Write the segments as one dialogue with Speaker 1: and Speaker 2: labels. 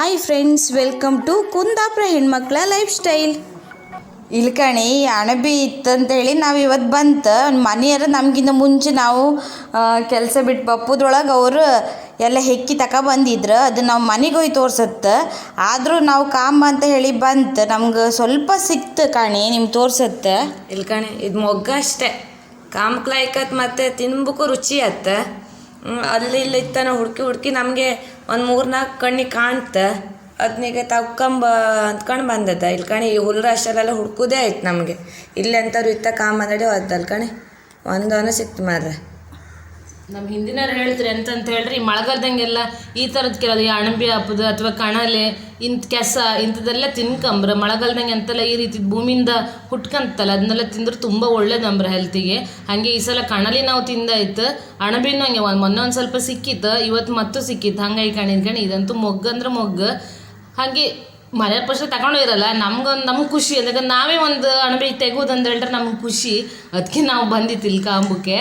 Speaker 1: Hi friends, welcome to Kundapura ಹೆಣ್ಮಕ್ಳ life style. ಇಲ್ಲಿ ಕಣಿ ಅಣಬಿ ಇತ್ತಂತೇಳಿ ನಾವು ಇವತ್ತು ಬಂತು ಮನೆಯವರು ನಮಗಿಂತ ಮುಂಚೆ ನಾವು ಕೆಲಸ ಬಿಟ್ಟು ಬಪ್ಪುದ್ರೊಳಗೆ ಅವರು ಎಲ್ಲ ಹೆಕ್ಕಿ ಬಂದಿದ್ರು. ಅದು ನಾವು ಮನೆಗೆ ಹೋಗಿ ತೋರ್ಸತ್ತೆ. ಆದರೂ ನಾವು ಕಾಂಬ ಅಂತ ಹೇಳಿ ಬಂತು, ನಮ್ಗೆ ಸ್ವಲ್ಪ ಸಿಕ್ತು ಕಣಿ, ನಿಮ್ಗೆ ತೋರ್ಸತ್ತೆ.
Speaker 2: ಇಲ್ಲಿ ಕಣಿ ಇದು ಮೊಗ್ಗ ಅಷ್ಟೇ, ಕಾಂಬ್ಕ್ಲಾಯ್ಕತ್ ಮತ್ತು ತಿನ್ಬೇಕು ರುಚಿ ಆತ. ಅಲ್ಲಿ ಇಲ್ಲಿ ಇತ್ತಾನ ಹುಡುಕಿ ನಮಗೆ ಒಂದು 3-4 ಕಣ್ಣಿಗೆ ಕಾಣ್ತ. ಅದನ್ನೀಗ ತಗೊಂಬ ಅಂದ್ಕೊಂಡು ಬಂದದ. ಇಲ್ಲಿ ಕಣಿ ಈ ಹುಲ್ಲು ಅಷ್ಟೆಲ್ಲ ಹುಡ್ಕೋದೇ ಆಯ್ತು ನಮಗೆ. ಇಲ್ಲಿ ಅಂಥವ್ರು ಇತ್ತ ಕಾಂಬಂದಡಿ ಹೋದಲ್ಲ ಕಣಿ, ಒಂದವನು ಸಿಕ್ತು ಮಾರ್ರೆ.
Speaker 3: ನಮ್ಮ ಹಿಂದಿನವ್ರು ಹೇಳ್ತಾರೆ ಎಂತಂತ ಹೇಳ್ರಿ, ಮಳೆಗಾಲದಂಗೆಲ್ಲ ಈ ಥರದ್ದು ಕೆಲವು ಈ ಅಣಬೆ ಹಬ್ಬದ ಅಥವಾ ಕಣಲೆ ಕೆಸ ಇಂಥದ್ದೆಲ್ಲ ತಿನ್ಕಂಬ್ರ. ಮಳೆಗಾಲದಂಗೆ ಅಂತೆಲ್ಲ ಈ ರೀತಿ ಭೂಮಿಯಿಂದ ಹುಟ್ಕಂತಲ್ಲ, ಅದನ್ನೆಲ್ಲ ತಿಂದ್ರೆ ತುಂಬ ಒಳ್ಳೇದಂಬ್ರ ಹೆಲ್ತಿಗೆ. ಹಾಗೆ ಈ ಸಲ ಕಣಲಿ ನಾವು ತಿಂದಾಯ್ತು, ಅಣಬೆನೂ ಹಂಗೆ ಮೊನ್ನೆ ಒಂದು ಸ್ವಲ್ಪ ಸಿಕ್ಕಿತ್ತು, ಇವತ್ತು ಮತ್ತು ಸಿಕ್ಕಿತ್ತು. ಹಂಗಾಗಿ ಕಣಿ ಇದಂತೂ ಮೊಗ್ಗು ಅಂದ್ರೆ ಮೊಗ್ಗು. ಹಾಗೆ ಮನೆ ಪಕ್ಷ ತಗೊಂಡು ಇರಲ್ಲ, ನಮ್ಗೆ ಖುಷಿ, ಯಾಕಂದ್ರೆ ನಾವೇ ಒಂದು ಅಣಬೆ ತೆಗೋದಂತ ಹೇಳ್ರೆ ನಮ್ಗೆ ಖುಷಿ. ಅದಕ್ಕೆ ನಾವು ಬಂದಿತ್ತಿಲ್ಲ ಕಾಂಬಕ್ಕೆ.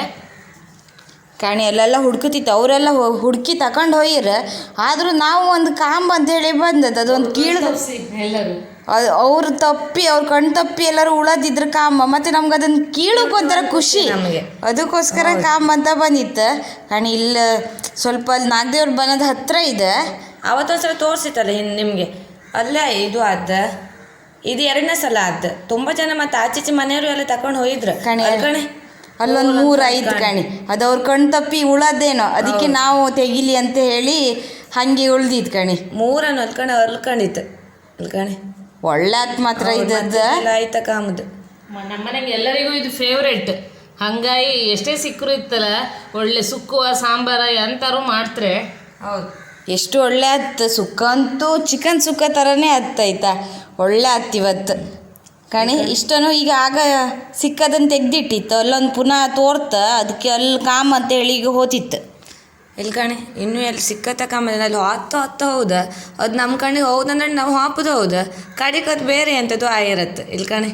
Speaker 1: ಕಾಣಿ ಅಲ್ಲೆಲ್ಲ ಹುಡ್ಕುತ್ತಿತ್ತು, ಅವರೆಲ್ಲ ಹುಡುಕಿ ತಗೊಂಡು ಹೋಗಿರ. ಆದರೂ ನಾವು ಒಂದು ಕಾಂಬ ಅಂತೇಳಿ ಬಂದದ್ದು, ಅದೊಂದು ಕೀಳು
Speaker 3: ಎಲ್ಲರೂ
Speaker 1: ಅವ್ರು ತಪ್ಪಿ, ಅವ್ರ ಕಣ್ಣು ತಪ್ಪಿ ಎಲ್ಲರೂ ಉಳದಿದ್ರು ಕಾಂಬ. ಮತ್ತು ನಮ್ಗೆ ಅದನ್ನು ಕೀಳಕ್ಕೆ ಒಂಥರ ಖುಷಿ, ಅದಕ್ಕೋಸ್ಕರ ಕಾಂಬ ಅಂತ ಬಂದಿತ್ತು. ಕಾಣಿ ಇಲ್ಲ ಸ್ವಲ್ಪ ಅಲ್ಲಿ ನಾಗದೇವ್ರ ಬನದ ಹತ್ತಿರ ಇದೆ.
Speaker 2: ಅವತ್ತೊಂದ್ಸಲ ತೋರಿಸಿತ್ತಲ್ಲ ನಿಮಗೆ, ಅಲ್ಲೇ ಇದು ಆದ, ಇದು 2ನೇ ಸಲ ಆದ. ತುಂಬ ಜನ ಮತ್ತು ಆಚೀಚೆ ಮನೆಯವರು ಎಲ್ಲ ತಗೊಂಡು ಹೋಗಿದ್ರು ಕಣೆ.
Speaker 1: ಅಲ್ಲೊಂದು 3-5 ಕಣಿ, ಅದು ಅವ್ರ ಕಣ್ಣು ತಪ್ಪಿ ಉಳದೇನೋ, ಅದಕ್ಕೆ ನಾವು ತೆಗಿಲಿ ಅಂತ ಹೇಳಿ ಹಾಗೆ ಉಳ್ದಿದ್ದು ಕಣಿ.
Speaker 2: 3 ಅಲ್ಕೊಂಡಿತ್ತು ಅಲ್ಕಣಿ.
Speaker 1: ಒಳ್ಳೆ ಆತ್ ಮಾತ್ರ ಇದ್ದದ್ದು
Speaker 2: ಆಯ್ತಾ ಕಾಮದು.
Speaker 3: ನಮ್ಮನೆಗೆ ಎಲ್ಲರಿಗೂ ಇದು ಫೇವ್ರೇಟ್. ಹಂಗಾಗಿ ಎಷ್ಟೇ ಸಿಕ್ಕರು ಇತ್ತಲ್ಲ, ಒಳ್ಳೆ ಸುಕ್ಕುವ ಸಾಂಬಾರ ಎಂತಾರು ಮಾಡ್ತಾರೆ.
Speaker 2: ಹೌದು,
Speaker 1: ಎಷ್ಟು ಒಳ್ಳೆ ಆತ್ತು. ಸುಕ್ಕ ಅಂತೂ ಚಿಕನ್ ಸುಕ್ಕ ಥರನೇ ಆಯ್ತಾ, ಒಳ್ಳೆ ಆತ್ತು ಇವತ್ತು ಕಣಿ. ಇಷ್ಟನು ಈಗ ಆಗ ಸಿಕ್ಕದನ್ನು ತೆಗ್ದಿಟ್ಟಿತ್ತು, ಅಲ್ಲೊಂದು ಪುನಃ ತೋರ್ತ, ಅದಕ್ಕೆ ಅಲ್ಲಿ ಕಾಮ ಅಂತ ಹೇಳಿ ಈಗ ಹೋತಿತ್ತು.
Speaker 2: ಇಲ್ಲಿ ಕಣಿ ಇನ್ನೂ ಎಲ್ಲಿ ಸಿಕ್ಕತ್ತ ಕಾಮದ ಅಲ್ಲಿ ಹೊತ್ತ ಹೌದಾ, ಅದು ನಮ್ಮ ಕಣ್ಣಿಗೆ ಹೌದಂದ್ರೆ ನಾವು ಹಾಪುದು ಹೌದಾ, ಕಡಿಗೆ ಅದು ಬೇರೆ ಅಂಥದ್ದು ಆಗಿರತ್ತೆ. ಇಲ್ಲಿ ಕಣಿ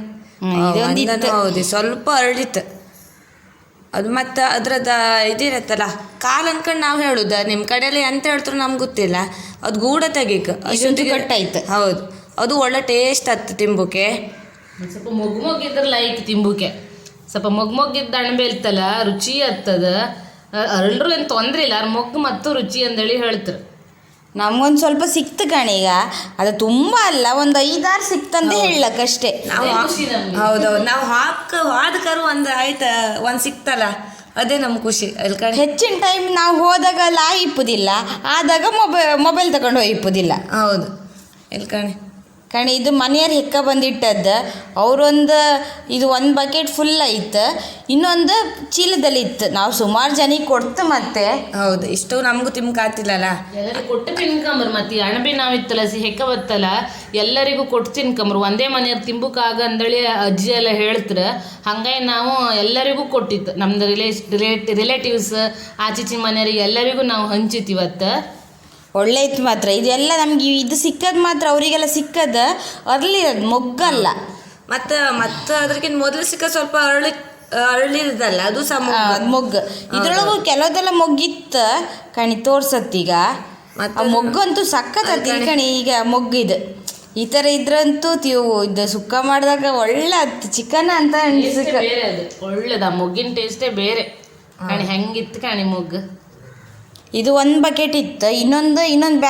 Speaker 2: ಹೌದು, ಸ್ವಲ್ಪ ಅರಳಿತ್ತು ಅದು. ಮತ್ತು ಅದ್ರದ್ದು ಇದಿರತ್ತಲ್ಲ ಕಾಲು ಅಂದ್ಕೊಂಡು ನಾವು ಹೇಳುದ, ನಿಮ್ಮ ಕಡೆಯಲ್ಲಿ ಎಂತ ಹೇಳ್ತಾರೆ ನಮ್ಗೆ ಗೊತ್ತಿಲ್ಲ. ಅದು ಗೂಡ ತೆಗೀಕ ಅಷ್ಟೊಂದು
Speaker 1: ಕಟ್ಟಾಯ್ತು.
Speaker 2: ಹೌದು, ಅದು ಒಳ್ಳೆ ಟೇಸ್ಟ್ ಆಯ್ತು ತಿಂಬುಕೆ.
Speaker 3: ಸ್ವಲ್ಪ ಮೊಗ್ಗಿದ್ರೆ ಲೈಕ್ ತಿಂಬುಕೆ, ಸ್ವಲ್ಪ ಮೊಗ್ಗಿದ್ದ ಅಣಬೆ ಇರ್ತಲ್ಲ ರುಚಿ ಆಗ್ತದ. ಅರಳರು ಏನು ತೊಂದರೆ ಇಲ್ಲ, ಮೊಗ್ಗು ಮತ್ತು ರುಚಿ ಅಂದೇಳಿ ಹೇಳ್ತಾರೆ.
Speaker 1: ನಮ್ಗೊಂದು ಸ್ವಲ್ಪ ಸಿಕ್ತು ಕಣಿ. ಈಗ ಅದು ತುಂಬ ಅಲ್ಲ, ಒಂದು 5-6 ಸಿಕ್ತಂತ ಹೇಳಕ್ಕಷ್ಟೇ.
Speaker 2: ನಾವು ಹೌದೌದು, ನಾವು ಹಾದಕರು ಒಂದು ಆಯ್ತು, ಒಂದು ಸಿಕ್ತಲ್ಲ ಅದೇ ನಮ್ಗೆ ಖುಷಿ. ಅಲ್ಲಿ ಕಣಿ
Speaker 1: ಹೆಚ್ಚಿನ ಟೈಮ್ ನಾವು ಹೋದಾಗ ಲಾ ಇಪ್ಪುದಿಲ್ಲ, ಆದಾಗ ಮೊಬೈಲ್ ತಗೊಂಡು ಹೋಗಿ ಇಪ್ಪುದಿಲ್ಲ.
Speaker 2: ಹೌದು, ಇಲ್ಲಿ
Speaker 1: ಕಣಿ ಇದು ಮನೆಯವ್ರು ಹೆಕ್ಕ ಬಂದಿಟ್ಟದ್ದು. ಅವರೊಂದು ಇದು 1 ಬಕೆಟ್ ಫುಲ್ ಐತೆ, ಇನ್ನೊಂದು ಚೀಲದಲ್ಲಿ ಇತ್ತು. ನಾವು ಸುಮಾರು ಜನಿಗೆ ಕೊಡ್ತು. ಮತ್ತೆ
Speaker 2: ಹೌದು, ಇಷ್ಟು ನಮಗೂ ತಿನ್ಕಾತಿಲ್ಲಲ್ಲ,
Speaker 3: ಎಲ್ಲರಿಗೂ ಕೊಟ್ಟು ತಿನ್ಕಂಬ್ರು. ಮತ್ತು ಅಣಬೆ ನಾವಿತ್ತಲ್ಲ ಹೆಕ್ಕ ಬತ್ತಲ್ಲ, ಎಲ್ಲರಿಗೂ ಕೊಟ್ಟು ತಿನ್ಕಂಬ್ರು. ಒಂದೇ ಮನೆಯವ್ರು ತಿಂಬುಕಾಗ ಅಂದೇಳಿ ಅಜ್ಜಿ ಎಲ್ಲ ಹೇಳ್ತಾರೆ. ಹಾಗಾಗಿ ನಾವು ಎಲ್ಲರಿಗೂ ಕೊಟ್ಟಿತ್ತು, ನಮ್ದು ರಿಲೇಟಿವ್ಸ್ ಆಚೀಚಿ ಮನೆಯವ್ರಿಗೆ ಎಲ್ಲರಿಗೂ ನಾವು ಹಂಚಿತ್ತಿವತ್ತು.
Speaker 1: ಒಳ್ಳೆ ಇತ್ತು ಮಾತ್ರ. ಇದೆಲ್ಲ ನಮ್ಗೆ ಇದು ಸಿಕ್ಕದು ಮಾತ್ರ, ಅವರಿಗೆಲ್ಲ ಸಿಕ್ಕದು ಅರಳಿರೋದು, ಮೊಗ್ಗಲ್ಲ.
Speaker 2: ಮತ್ತು ಅದಕ್ಕಿಂತ ಮೊದಲು ಸಿಕ್ಕ ಸ್ವಲ್ಪ ಅರಳಿರೋದಲ್ಲ, ಅದು ಸಹ
Speaker 1: ಮೊಗ್ಗು. ಇದ್ರೊಳಗೂ ಕೆಲವುದೆಲ್ಲ ಮೊಗ್ಗಿತ್ತು ಕಣಿ, ತೋರ್ಸತ್ತೀಗ. ಮತ್ತು ಮೊಗ್ಗಂತೂ ಸಕ್ಕತ್ತತ್ತಿ ಕಣಿ. ಈಗ ಮೊಗ್ಗಿದು ಈ ಥರ ಇದ್ರಂತೂ ಇದು ಸುಕ್ಕ ಮಾಡಿದಾಗ ಒಳ್ಳೆ ಹತ್ತು ಚಿಕನ್ ಅಂತ
Speaker 3: ಬೇರೆ, ಅದು ಒಳ್ಳೇದು. ಆ ಮೊಗ್ಗಿನ ಟೇಸ್ಟೇ ಬೇರೆ ಕಣಿ. ಹೆಂಗಿತ್ತು ಕಣಿ ಮೊಗ್ಗು.
Speaker 1: ಇದು 1 ಬಕೆಟ್ ಇತ್ತು, ಇನ್ನೊಂದು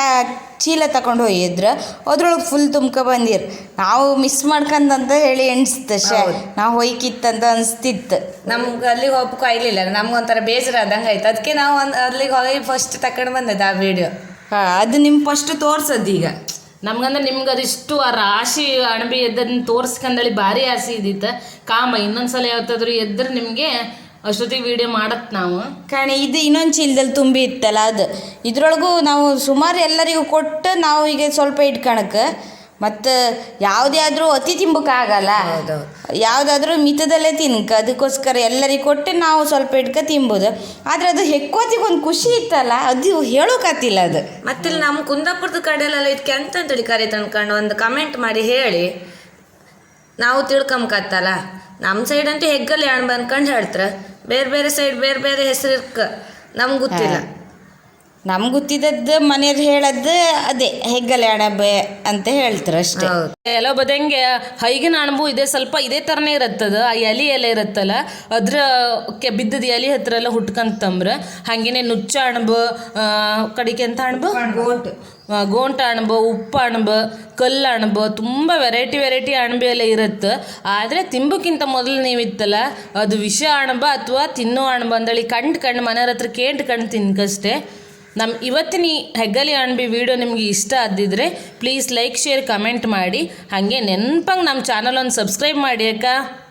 Speaker 1: ಚೀಲ ತಗೊಂಡು ಹೋಗಿದ್ರು, ಅದ್ರೊಳಗೆ ಫುಲ್ ಬಂದಿರು. ನಾವು ಮಿಸ್ ಮಾಡ್ಕಂದಂತ ಹೇಳಿ ಎಣಿಸ್ತು, ನಾವು ಹೋಯ್ಕಿತ್ತಂತ ಅನಿಸ್ತಿತ್ತು.
Speaker 2: ನಮ್ಗೆ ಅಲ್ಲಿಗೆ ಹೋಗ್ಬೇಕು ಆಗ್ಲಿಲ್ಲ, ನಮ್ಗೊಂಥರ ಬೇಸರ ಆದಂಗೆ ಆಯ್ತು. ಅದಕ್ಕೆ ನಾವು ಅಲ್ಲಿಗೆ ಹೋಗಿ ಫಸ್ಟ್ ತಗೊಂಡು ಬಂದದ್ದು ಆ ವಿಡಿಯೋ.
Speaker 1: ಅದು ನಿಮ್ಮ ಫಸ್ಟ್ ತೋರ್ಸದ್ದು. ಈಗ
Speaker 3: ನಮ್ಗಂದ್ರೆ ನಿಮ್ಗೆ ಅದಿಷ್ಟು ಆ ರಾಶಿ ಅಣಬೆ ಎದ್ದದನ್ನ ತೋರ್ಸ್ಕಂದೇಳಿ ಭಾರಿ ಆಸೆ ಇದ್ದಿತ್ತು. ಕಾಮ ಇನ್ನೊಂದ್ಸಲ ಯಾವತ್ತಾದ್ರೂ ಎದ್ರೆ ನಿಮಗೆ ಅಷ್ಟೊತ್ತಿಗೆ ವಿಡಿಯೋ ಮಾಡತ್ತೆ ನಾವು
Speaker 1: ಕಣಿ. ಇದು ಇನ್ನೊಂದು ಚೀಲದಲ್ಲಿ ತುಂಬಿ ಇತ್ತಲ್ಲ, ಅದು ಇದ್ರೊಳಗೂ ನಾವು ಸುಮಾರು ಎಲ್ಲರಿಗೂ ಕೊಟ್ಟು ನಾವು ಈಗ ಸ್ವಲ್ಪ ಇಟ್ಕೊಳಕ್ಕೆ. ಮತ್ತು ಯಾವುದೇ ಆದರೂ ಅತಿ ತಿಂಬಕ್ಕಾಗಲ್ಲ, ಯಾವುದಾದ್ರೂ ಮಿತದಲ್ಲೇ ತಿನ್ಕ. ಅದಕ್ಕೋಸ್ಕರ ಎಲ್ಲರಿಗೆ ಕೊಟ್ಟು ನಾವು ಸ್ವಲ್ಪ ತಿನ್ಬೋದು. ಆದರೆ ಅದು ಹೆಕ್ಕೋತಿಗೆ ಒಂದು ಖುಷಿ ಇತ್ತಲ್ಲ, ಅದು ಹೇಳೋಕತ್ತಿಲ್ಲ ಅದು.
Speaker 2: ಮತ್ತಿಲ್ಲಿ ನಮ್ಮ ಕುಂದಾಪುರದ ಕಡೆಯಲ್ಲೆಲ್ಲ ಇದಕ್ಕೆ ಅಂತೇಳಿ ಕರೀತ ಅನ್ಕೊಂಡು ಒಂದು ಕಮೆಂಟ್ ಮಾಡಿ ಹೇಳಿ, ನಾವು ತಿಳ್ಕೊಂಬಕತ್ತಲ್ಲ. ನಮ್ಮ ಸೈಡ್ ಅಂತೂ ಹೆಗ್ಗಲ್ಲಿ ಅಣ್ಬ ಅನ್ಕೊಂಡು ಹೇಳ್ತಾರೆ, ಬೇರೆ ಬೇರೆ ಸೈಡ್ ಬೇರೆ ಬೇರೆ ಹೆಸರು ನಮ್ಗೆ ಗೊತ್ತಿಲ್ಲ.
Speaker 1: ನಮ್ಗೆ ಗೊತ್ತಿದ್ದದ್ದು ಮನೆಯವ್ರು ಹೇಳದ್ದು ಅದೇ ಹೆಗ್ಗಲೆ ಅಣಬೆ ಅಂತ ಹೇಳ್ತಾರೆ ಅಷ್ಟೇ.
Speaker 3: ಎಲ್ಲ ಬದಂಗೆ ಹೈಗಿನ ಅಣಬು ಸ್ವಲ್ಪ ಇದೇ ಥರನೇ ಇರುತ್ತದ. ಆ ಎಲೆ ಎಲ್ಲ ಇರುತ್ತಲ್ಲ ಅದ್ರ ಬಿದ್ದದ ಎಲೆ ಹತ್ರ ಎಲ್ಲ ಹುಟ್ಕಂತಂಬ್ರ ಹಾಗೇನೆ ನುಚ್ಚ ಅಣಬು, ಕಡಿಕೆ ಅಂತ ಅಣಬು ಗೋಂಟ ಅಣಬು, ಉಪ್ಪು ಅಣಬು, ಕಲ್ಲು ಅಣಬು, ತುಂಬ ವೆರೈಟಿ ಅಣಬೆ ಎಲ್ಲ ಇರುತ್ತೆ. ಆದರೆ ತಿಂಬಕ್ಕಿಂತ ಮೊದಲು ನೀವಿತ್ತಲ್ಲ ಅದು ವಿಷ ಅಣಬ ಅಥವಾ ತಿನ್ನೋ ಅಣಬ ಅಂದೇಳಿ ಕಂಡು ಮನೆಯವ್ರ ಹತ್ರ ಕಂಡು ತಿನ್ಕಷ್ಟೇ. ನಮ್ಮ ಇವತ್ತಿನ ಈ ಹೆಗ್ಗಲಿ ಅಣಬೆ ವಿಡಿಯೋ ನಿಮಗೆ ಇಷ್ಟ ಆದಿದ್ರೆ ಪ್ಲೀಸ್ ಲೈಕ್ ಶೇರ್ ಕಮೆಂಟ್ ಮಾಡಿ. ಹಾಗೆ ನೆನಪಂಗೆ ನಮ್ಮ ಚಾನಲ್ ಒಂದು ಸಬ್ಸ್ಕ್ರೈಬ್ ಮಾಡಿ ಅಕ್ಕ.